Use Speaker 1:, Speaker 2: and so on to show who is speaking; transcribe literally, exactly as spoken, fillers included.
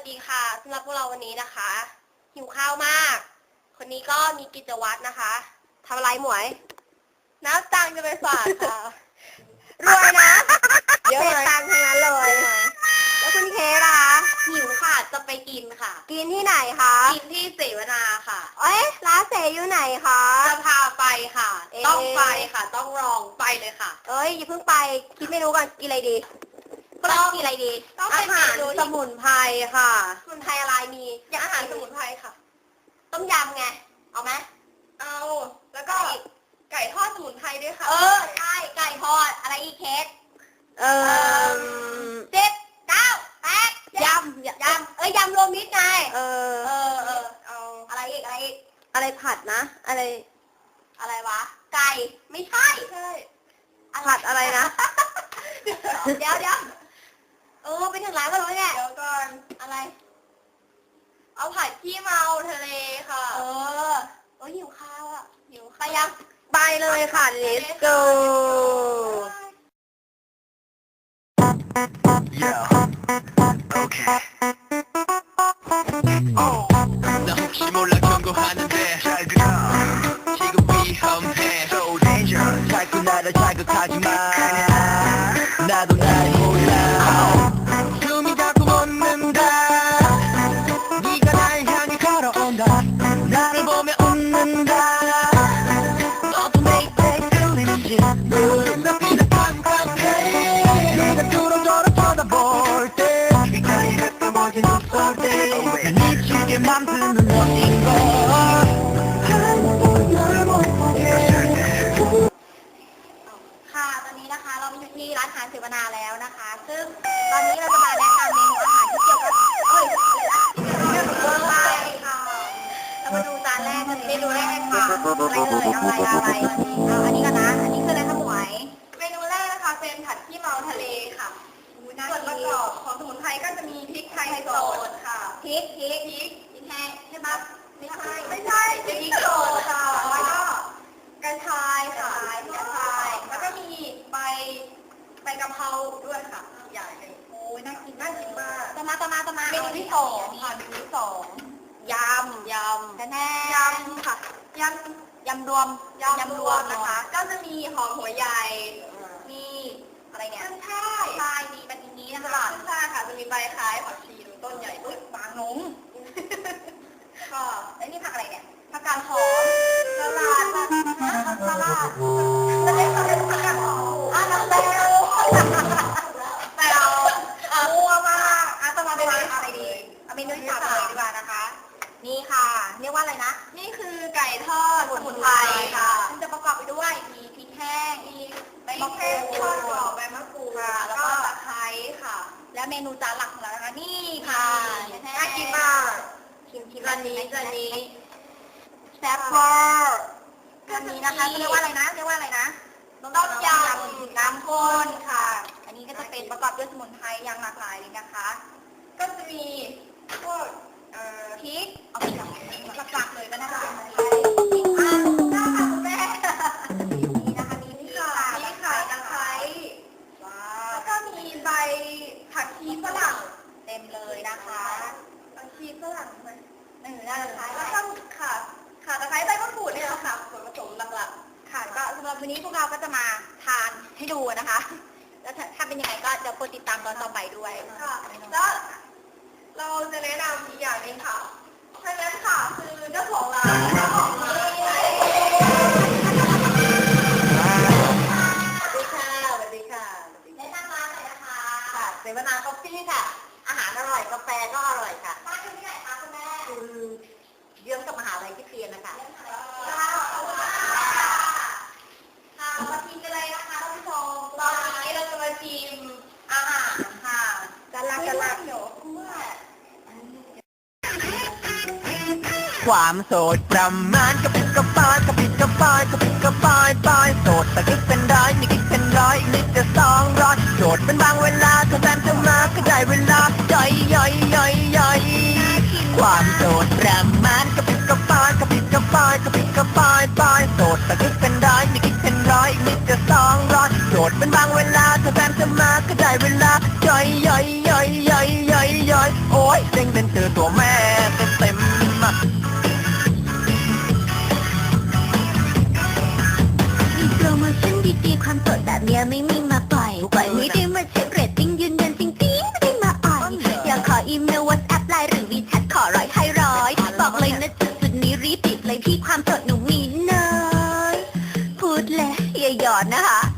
Speaker 1: ดีค่ะสำหรับพวกเราวันนี้นะคะหิวข้าวมาก คนนี้ก็มีกิจวัตรนะคะทำอะไรหมวยน้ำตังจะไปฝากค่ะรวยนะเยอะเลยตังทั้งนั้นเลยแล้วคุณเคล่ะหิวค่ะจะไปกินค่ะกินที่ไหนคะกินที่เสวนาค่ะเอ้ยร้านเสอยู่ไหนคะจะพาไปค่ะต้องไปค่ะต้องลองไปเลยค่ะเอ้ยอย่าเพิ่งไปคิดเมนูก่อนกินอะไรดีก็ต้องกินอะไรดีอาหารสมุนไพรค่ะสมุนไพรอะไรมีอย่างอาหารสมุนไพรค่ะต้มยำไงเอาไหมเอาแล้วก็ไก่ทอดสมุนไพรด้วยค่ะเออใช่ไก่ทอดอะไรอีกเคสเออเจ็ดเก้าแปดยำยำเอ้ยยำรวมมิตรไงเออเออเออเอาอะไรอีกอะไรอีกอะไรผัดนะอะไรอะไรวะไก่ไม่ใช่ใช่ผัดอะไรนะเดี๋ยวเดี๋ยวเออไปถึงร้านก็รู้เนี่ยเดี๋ยวก่อนอะไรเอาผัดขี้เมาทะเลค่ะเออเออหิวข้าวอ่ะหิวไปยังไปเลยค่ะ let's go
Speaker 2: 나 혹시 몰라 경고하는데 잘 들어 지금 위험해 So dangerous 자꾸 나를 자극하지마 나도 날 몰라 숨이 자꾸 멎는다 네가 날 향해 걸어온다 나를 보며 웃는다 너도 내입에 끌리는지 눈앞이 다 깜깜해 네가 뚫어져라 쳐다볼 때 빛깔이 가끔어진 눈쏠 때난 미치게 맘드는 너인 걸
Speaker 1: ค่ะตอนนี้นะคะเราอยู่ที่ร้านอาหารเสวนาแล้วนะคะซึ่งตอนนี้เราจะมาแนะนำเมนูอาหารที่เกี่ยวกับเอ้ยเรื่องของไทยค่ะเรามาดูจานแรกกันเมนูแรกค่ะอะไรเอ่ยอะไรอะไรเอาอันนี้กันนะอันนี้คืออะไรคะหมวยเมนูแรกนะคะเป็นผัดขี้เมาทะเลค่ะส่วนประกอบของสมุนไพรก็จะมีพริกไทยสดค่ะพริกพริกพริกพริกแห้งใช่ไหมไม่ใช่ไม่ใช่พริกสดค่ะแล้วก็กระชายค่ะกระชายแล้วก็มีใบใบกะเพราด้วยค่ะใหญ่เลยโอ้ยน่ากินน่ากินมากต่อมาต่อมาต่อมาเมนูที่สองค่ะเมนูที่สองยำยำแน่ยำค่ะยำยำรวมยำรวมนะคะก็จะมีหอมหัวใหญ่มีอะไรเนี่ยขึ้นช่ายช่ายมีแบบนี้นะคะขึ้นช่ายค่ะจะมีใบคล้ายผักชีดูต้นใหญ่ด้วยบางนงก็แล้วนี่ผักอะไรเนี่ยผักกาดหอมสลัดสลัดจะได้เขาเรียกผักกาดหอมอ่ะน้ำแตวแตวมัวมากอ่ะต่อมาเป็นอะไรดีเอาเมนูที่สามเลยดีกว่านะคะนี่ค่ะเรียกว่าอะไรนะนี่คือไก่ทอดสมุนไพรค่ะซึ่งจะประกอบไปด้วยมีพริกแห้งมีใบมะกรูดทอดกรอบใบมะกรูดแล้วก็ตะไคร้ค่ะและเมนูจานหลักของเรานะคะนี่ค่ะน่ากินมากชิมชิมจานนี้จานนี้แซ่บมากจานนี้นะคะเรียกว่าอะไรนะเรียกว่าอะไรนะต้มยำน้ำข้นค่ะอันนี้ก็จะเป็นประกอบด้วยสมุนไพรอย่างหลากหลายเลยนะคะก็จะมีพวกพริกเอาพริกหลักๆเลยก็น่าจะเป็นพริกอ่าน่าค่ะคุณแม่นี่นะคะนี่นี่ค่ะนี่ค่ะตะไคร้ว้าวแล้วก็มีใบผักชีฝรั่งเต็มเลยนะคะผักชีฝรั่งมันหนึ่งด้านท้ายแล้วก็ค่ะค่ะตะไคร้ใบมะกรูดเนี่ยค่ะส่วนผสมหลักๆค่ะก็สำหรับวันนี้พวกเราก็จะมาทานให้ดูนะคะแล้วถ้าเป็นยังไงก็เดี๋ยวโปรดติดตามตอนต่อไปด้วยค่ะแล้วเราจะแนะนำอีกอย่างนึงค่ะท่านนั้นค่ะคือเจ้าของร้านเจ้าของร้านสวัสดีค่ะสวัสดีค่ะแนะนำร้านหน่อยนะคะค่ะเสวนาคอฟฟี่ค่ะอาหารอร่อยกาแฟก็อร่อยค่ะบ้านอยู่ที่ไหนคะคุณแม่คือเยื้องกับมหาลัยที่เรียนนะคะค่ะค่ะมาชิมกันเลยนะคะท่านผู้ชมตอนนี้เราจะมาชิมอาหารค่ะกันละกันละเดี๋ยว
Speaker 2: ความโสดประมาณกระปิดกระปายกระปิดกระปายกระปิดกระปายปายโสดแต่คิดเป็นร้อยนี่คิดเป็นร้อยอีกนิดจะสองร้อยโสดเป็นบางเวลาถ้าแฟนจะมาก็ได้เวลาย่อยย่อยย่อยย่อยความโสดประมาณกระปิดกระปายกระปิดกระปายกระปิดกระปายปายโสดแต่คิดเป็นร้อยนี่คิดเป็นร้อยอีกนิดจะสองร้อยโสดเป็นบางเวลาถ้าแฟนจะมาก็ได้เวลาย่อยย่อยย่อยย่อยย่อยย่อยโอ้ยเซ็งเป็นอนนะคะ